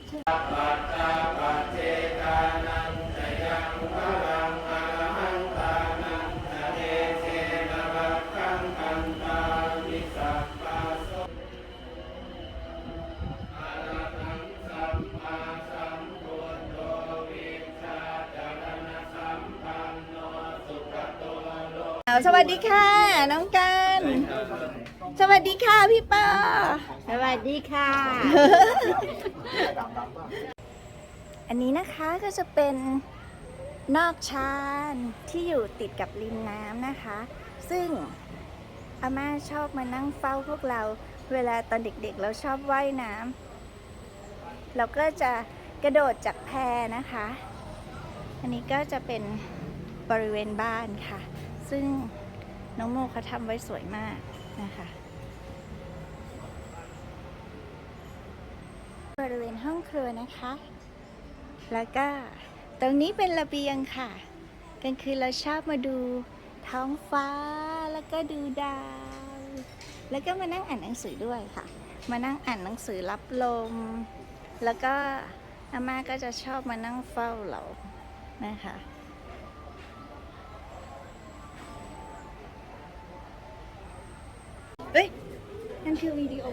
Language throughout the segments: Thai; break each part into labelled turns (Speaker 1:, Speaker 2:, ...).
Speaker 1: สวัสดีค่ะน้องกันสวัสดีค่ะพี่ปอสวัสดีค่ะ อันนี้นะคะก็จะเป็นนอกชานที่อยู่ติดกับริมน้ำนะคะ ซึ่งอาม่าชอบมานั่งเฝ้าพวกเราเวลาตอนเด็กๆเราชอบว่ายน้ำเราก็จะกระโดดจากแพนะคะ อันนี้ก็จะเป็นบริเวณบ้านค่ะซึ่งน้องโมเขาทำไว้สวยมากนะคะบริเวณห้องครัวนะคะแล้วก็ตรงนี้เป็นระเบียงค่ะกลางคืนเราชอบมาดูท้องฟ้าแล้วก็ดูดาวแล้วก็มานั่งอ่านหนังสือด้วยค่ะมานั่งอ่านหนังสือรับลมแล้วก็อาม่าก็จะชอบมานั่งเฝ้าเรานะคะเอ้ยนั่นคือวิดีโอ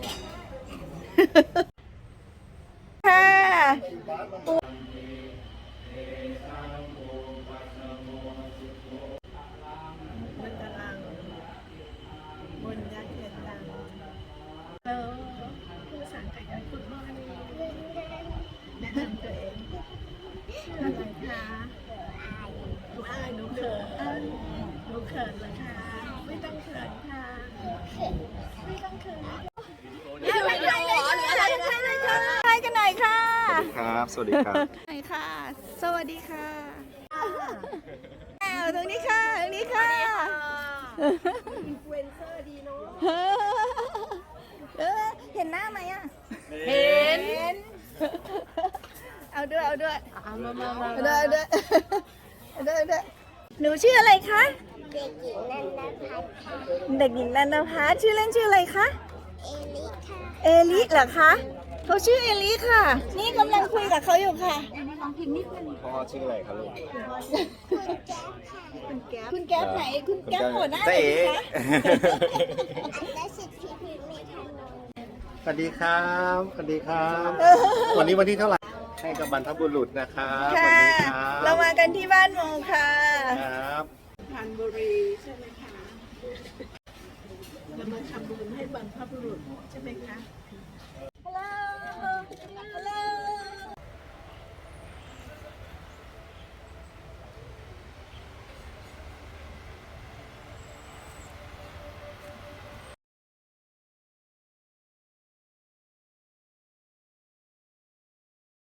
Speaker 1: ค่ะ
Speaker 2: มันกำลังบนยักษ์เขียนดังแล้วผู้สั่งไก่กันคุณพ่อนี่แนะนำตัวเองอะไรคะหนูอายหนูเขินหนูเขินเหรอคะไม่ต้องเขินค่ะไม่ต้องเขิน
Speaker 1: ใครกันหน่อยค่ะ
Speaker 3: ครับ สวัสดีครับ
Speaker 1: หน่อยค่ะ สวัสดีค่ะตรงนี้ค่ะตรงนี้ค่ะ
Speaker 2: อินฟลูเอนเซอร์ดีเนา
Speaker 1: ะ
Speaker 2: ะ
Speaker 1: เห็นหน้าไหมอ่ะเห็นเอาด้วยเอาด้วยเอาด้วยหนูชื่ออะไรคะเด็กหญิงนันทพัฒน์ชื่อเล่นชื่ออะไรคะเอลิเหรอคะเขาชื่อเอลิค่ะนี่กำลังคุยกับเขาอยู่ค่ะ
Speaker 3: พ่อชื่ออะไรครับลูก
Speaker 1: คุณแก๊ปไหนคุณแก๊ปหัวหน้าไหนคะ
Speaker 3: สวัสดีครับ สวัสดีครับ วันนี้วันที่เท่าไหร่ ให้กับบรรพบุรุษนะครับวั
Speaker 1: ค่ะ
Speaker 3: นี้ครับ
Speaker 1: เรามากันที่บ้านโมค่ะ
Speaker 3: ครับ
Speaker 2: พันบุรีใช่ไหมคะเรามาทำบุญให้บรรพบุรุษใช่ไหมคะ